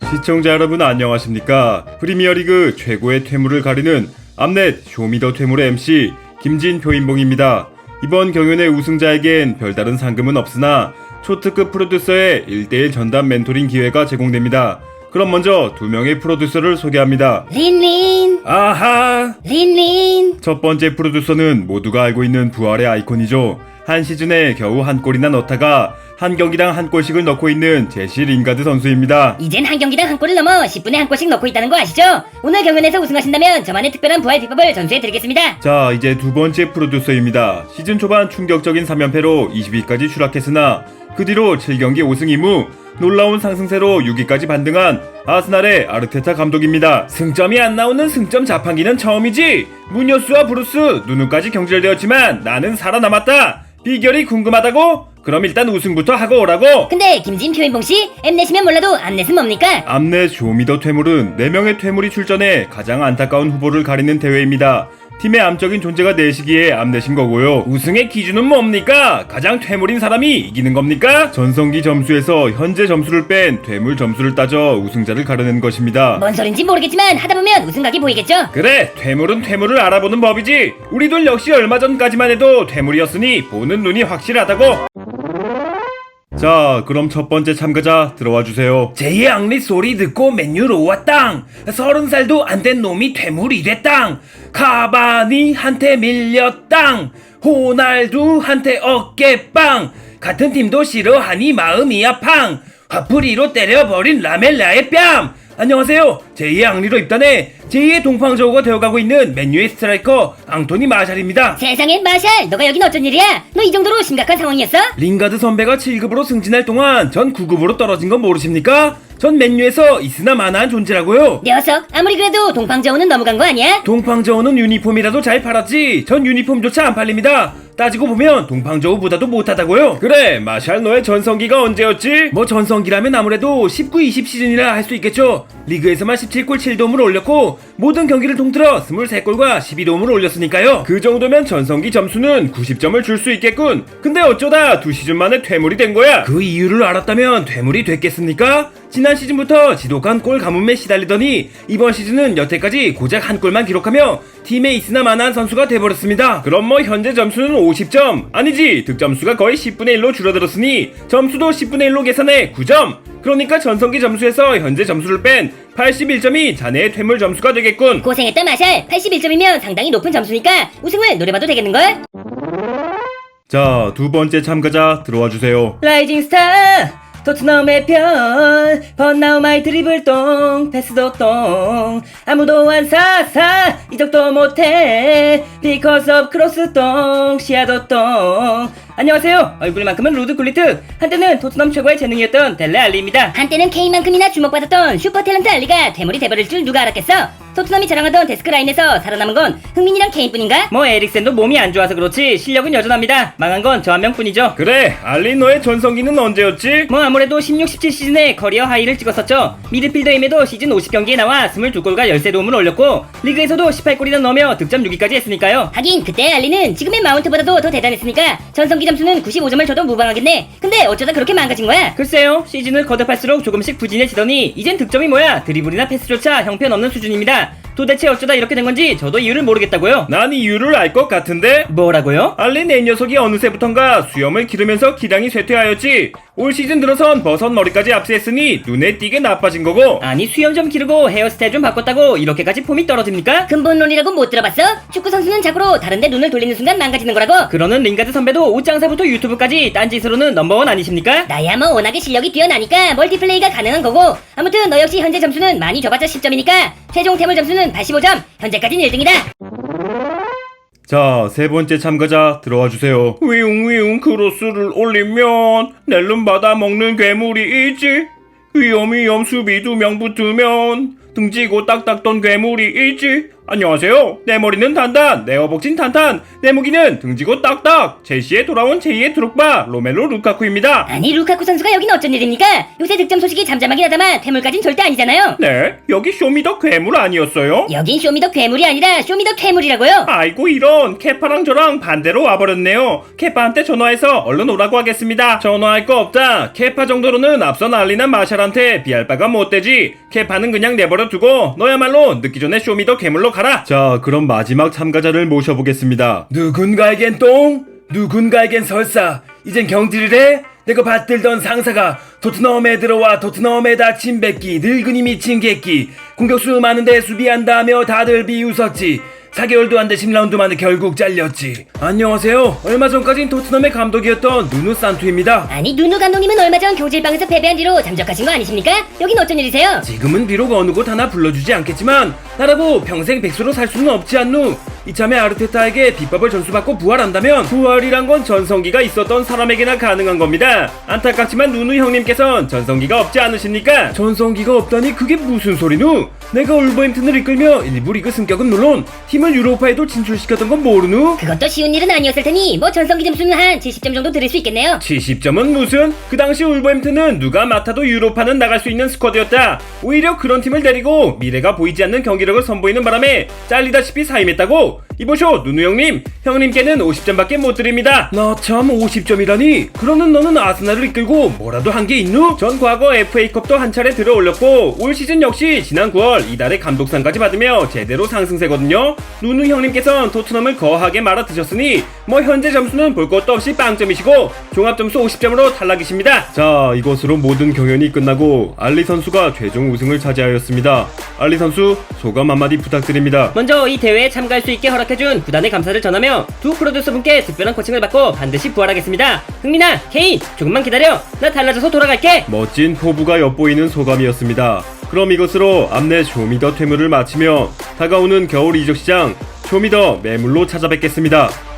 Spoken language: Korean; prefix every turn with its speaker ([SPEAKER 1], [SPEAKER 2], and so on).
[SPEAKER 1] 시청자 여러분 안녕하십니까? 프리미어리그 최고의 퇴물을 가리는 암넷 쇼미더 퇴물의 MC 김진표인봉입니다. 이번 경연의 우승자에겐 별다른 상금은 없으나 초특급 프로듀서의 1대1 전담 멘토링 기회가 제공됩니다. 그럼 먼저 두 명의 프로듀서를 소개합니다.
[SPEAKER 2] 린린
[SPEAKER 1] 아하!
[SPEAKER 2] 린린
[SPEAKER 1] 첫 번째 프로듀서는 모두가 알고 있는 부활의 아이콘이죠. 한 시즌에 겨우 한 골이나 넣다가 한 경기당 한 골씩을 넣고 있는 제시 링가드 선수입니다.
[SPEAKER 2] 이젠 한 경기당 한 골을 넘어 10분에 한 골씩 넣고 있다는 거 아시죠? 오늘 경연에서 우승하신다면 저만의 특별한 부활 비법을 전수해드리겠습니다.
[SPEAKER 1] 자, 이제 두 번째 프로듀서입니다. 시즌 초반 충격적인 3연패로 20위까지 추락했으나 그 뒤로 7경기 5승 2무 놀라운 상승세로 6위까지 반등한 아스날의 아르테타 감독입니다. 승점이 안 나오는 승점 자판기는 처음이지. 무녀스와 브루스 누누까지 경질되었지만 나는 살아남았다. 비결이 궁금하다고? 그럼 일단 우승부터 하고 오라고.
[SPEAKER 2] 근데 김진표인봉씨, 엠넷이면 몰라도 암넷은 뭡니까?
[SPEAKER 1] 암넷 쇼미더 퇴물은 4명의 퇴물이 출전해 가장 안타까운 후보를 가리는 대회입니다. 팀의 암적인 존재가 내시기에 암넷인 거고요. 우승의 기준은 뭡니까? 가장 퇴물인 사람이 이기는 겁니까? 전성기 점수에서 현재 점수를 뺀 퇴물 점수를 따져 우승자를 가려낸 것입니다.
[SPEAKER 2] 뭔 소린지 모르겠지만 하다보면 우승각이 보이겠죠?
[SPEAKER 1] 그래, 퇴물은 퇴물을 알아보는 법이지. 우리들 역시 얼마 전까지만 해도 퇴물이었으니 보는 눈이 확실하다고. 자, 그럼 첫 번째 참가자 들어와 주세요. 제2의 앙리 소리 듣고 맨유로 왔당. 30살도 안 된 놈이 퇴물이 됐당. 카바니한테 밀렸당. 호날두한테 어깨빵. 같은 팀도 싫어하니 마음이 아팡. 화풀이로 때려버린 라멜라의 뺨. 안녕하세요. 제2의 앙리로 입단해 제2의 동방저우가 되어가고 있는 맨유의 스트라이커 앙토니 마샬입니다.
[SPEAKER 2] 세상에 마샬, 너가 여긴 어쩐 일이야? 너 이 정도로 심각한 상황이었어?
[SPEAKER 1] 링가드 선배가 7급으로 승진할 동안 전 9급으로 떨어진 건 모르십니까? 전 맨유에서 있으나 마나한 존재라고요.
[SPEAKER 2] 녀석, 아무리 그래도 동방저우는 넘어간 거 아니야?
[SPEAKER 1] 동방저우는 유니폼이라도 잘 팔았지 전 유니폼조차 안 팔립니다. 따지고 보면 동방저우보다도 못하다고요. 그래, 마샬 너의 전성기가 언제였지? 뭐 전성기라면 아무래도 19-20 시즌이라 할 수 있겠죠. 리그에서만 17골 7도움을 올렸고 모든 경기를 통틀어 23골과 12도움을 올렸으니까요. 그 정도면 전성기 점수는 90점을 줄 수 있겠군. 근데 어쩌다 2시즌 만에 퇴물이 된 거야. 그 이유를 알았다면 퇴물이 됐겠습니까? 지난 시즌부터 지독한 골 가뭄에 시달리더니 이번 시즌은 여태까지 고작 한 골만 기록하며 팀에 있으나 마나한 선수가 돼버렸습니다. 그럼 뭐 현재 점수는 50점 아니지, 득점수가 거의 10분의 1로 줄어들었으니 점수도 10분의 1로 계산해 9점. 그러니까 전성기 점수에서 현재 점수를 뺀 81점이 자네의 퇴물 점수가 되겠군.
[SPEAKER 2] 고생했다 마샬. 81점이면 상당히 높은 점수니까 우승을 노려봐도 되겠는걸?
[SPEAKER 1] 자, 두 번째 참가자 들어와 주세요.
[SPEAKER 2] 라이징 스타 토트넘의 편 번나우마이 드리블 똥 패스도 똥 아무도 안 사사 이적도 못해 because of 크로스 똥 시야도 똥. 안녕하세요. 얼굴만큼은 루드 굴리트, 한때는 토트넘 최고의 재능이었던 델레 알리입니다. 한때는 케인만큼이나 주목받았던 슈퍼 탤런트 알리가 퇴물이 돼버릴 줄 누가 알았겠어? 토트넘이 자랑하던 데스크 라인에서 살아남은 건 흥민이랑 케인뿐인가? 뭐 에릭센도 몸이 안 좋아서 그렇지 실력은 여전합니다. 망한 건 저 한 명뿐이죠.
[SPEAKER 1] 그래, 알리 너의 전성기는 언제였지?
[SPEAKER 2] 뭐 아무래도 16-17 시즌에 커리어 하이를 찍었었죠. 미드필더임에도 시즌 50경기에 나와 22골과 13도움을 올렸고 리그에서도 18골이나 넣으며 득점 6위까지 했으니까요. 하긴 그때 알리는 지금의 마운트보다도 더 대단했으니까 전성기 점수는 95점을 줘도 무방하겠네. 근데 어쩌다 그렇게 망가진 거야? 글쎄요, 시즌을 거듭할수록 조금씩 부진해지더니 이젠 득점이 뭐야, 드리블이나 패스조차 형편없는 수준입니다. 도대체 어쩌다 이렇게 된 건지 저도 이유를 모르겠다고요.
[SPEAKER 1] 난 이유를 알 것 같은데?
[SPEAKER 2] 뭐라고요?
[SPEAKER 1] 알리 내 녀석이 어느새부턴가 수염을 기르면서 기량이 쇠퇴하였지. 올 시즌 들어선 버섯 머리까지 압수했으니 눈에 띄게 나빠진 거고.
[SPEAKER 2] 아니 수염 좀 기르고 헤어스타일 좀 바꿨다고 이렇게까지 폼이 떨어집니까? 근본론이라고 못 들어봤어? 축구 선수는 자고로 다른데 눈을 돌리는 순간 망가지는 거라고. 그러는 링가드 선배도 옷장사부터 유튜브까지 딴짓으로는 넘버원 아니십니까? 나야 뭐 워낙에 실력이 뛰어나니까 멀티플레이가 가능한 거고. 아무튼 너 역시 현재 점수는 많이 줘봤자 10점이니까 최종 태물 점수는 85점. 현재까지는 1등이다.
[SPEAKER 1] 자, 세 번째 참가자 들어와 주세요. 위웅위웅 크로스를 올리면 낼름 받아 먹는 괴물이 있지. 위험위험 수비 2명 붙으면 등지고 딱딱 던 괴물이 있지. 안녕하세요. 내 머리는 단단, 내 허벅진 탄탄, 내 무기는 등지고 딱딱. 첼시에 돌아온 제2의 드록바 로멜로 루카쿠입니다.
[SPEAKER 2] 아니 루카쿠 선수가 여긴 어쩐 일입니까? 요새 득점 소식이 잠잠하긴 하다만 퇴물까진 절대 아니잖아요.
[SPEAKER 1] 네, 여기 쇼미더 괴물 아니었어요?
[SPEAKER 2] 여긴 쇼미더 괴물이 아니라 쇼미더 퇴물이라고요.
[SPEAKER 1] 아이고 이런, 케파랑 저랑 반대로 와버렸네요. 케파한테 전화해서 얼른 오라고 하겠습니다. 전화할 거 없다. 케파 정도로는 앞서 난리난 마샬한테 비할 바가 못 되지. 케파는 그냥 내버려 두고 너야말로 늦기 전에 쇼미더 괴물로 가라. 자, 그럼 마지막 참가자를 모셔보겠습니다. 누군가에겐 똥, 누군가에겐 설사. 이젠 경질이래? 내가 받들던 상사가 토트넘에 들어와 토트넘에 다친 백기, 늙은이 미친 객기, 공격수 많은데 수비한다며 다들 비웃었지. 4개월도 안 돼 10라운드 만에 결국 잘렸지. 안녕하세요. 얼마 전까진 토트넘의 감독이었던 누누 산투입니다.
[SPEAKER 2] 아니 누누 감독님은 얼마 전 교질방에서 패배한 뒤로 잠적하신 거 아니십니까? 여긴 어쩐 일이세요?
[SPEAKER 1] 지금은 비록 어느 곳 하나 불러주지 않겠지만 나라고 평생 백수로 살 수는 없지 않누. 이참에 아르테타에게 비법을 전수받고 부활한다면 부활이란 건 전성기가 있었던 사람에게나 가능한 겁니다. 안타깝지만 누누 형님께선 전성기가 없지 않으십니까? 전성기가 없다니 그게 무슨 소리누? 내가 울버햄튼을 이끌며 일부 리그 승격은 물론 팀을 유로파에도 진출시켰던 건 모르누?
[SPEAKER 2] 그것도 쉬운 일은 아니었을 테니 뭐 전성기 점수는 한 70점 정도 드릴 수 있겠네요.
[SPEAKER 1] 70점은 무슨? 그 당시 울버햄튼은 누가 맡아도 유로파는 나갈 수 있는 스쿼드였다. 오히려 그런 팀을 데리고 미래가 보이지 않는 경기력을 선보이는 바람에 잘리다시피 사임했다고? 이보쇼 누누 형님, 형님께는 50점밖에 못 드립니다. 나 참 50점이라니? 그러는 너는 아스날을 이끌고 뭐라도 한 게 있누? 전 과거 FA컵도 한 차례 들어 올렸고 올 시즌 역시 지난 9월 이달에 감독상까지 받으며 제대로 상승세거든요. 누누 형님께선 토트넘을 거하게 말아 드셨으니 뭐 현재 점수는 볼 것도 없이 빵점이시고 종합점수 50점으로 탈락이십니다. 자, 이것으로 모든 경연이 끝나고 알리 선수가 최종 우승을 차지하였습니다. 알리 선수 소감 한마디 부탁드립니다.
[SPEAKER 2] 먼저 이 대회에 참가할 수 있게 허락해준 구단의 감사를 전하며 두 프로듀서분께 특별한 코칭을 받고 반드시 부활하겠습니다. 흥민아, 케인, 조금만 기다려. 나 달라져서 돌아갈게.
[SPEAKER 1] 멋진 포부가 엿보이는 소감이었습니다. 그럼 이것으로 암내 쇼미더 퇴물을 마치며 다가오는 겨울 이적 시장 쇼미더 매물로 찾아뵙겠습니다.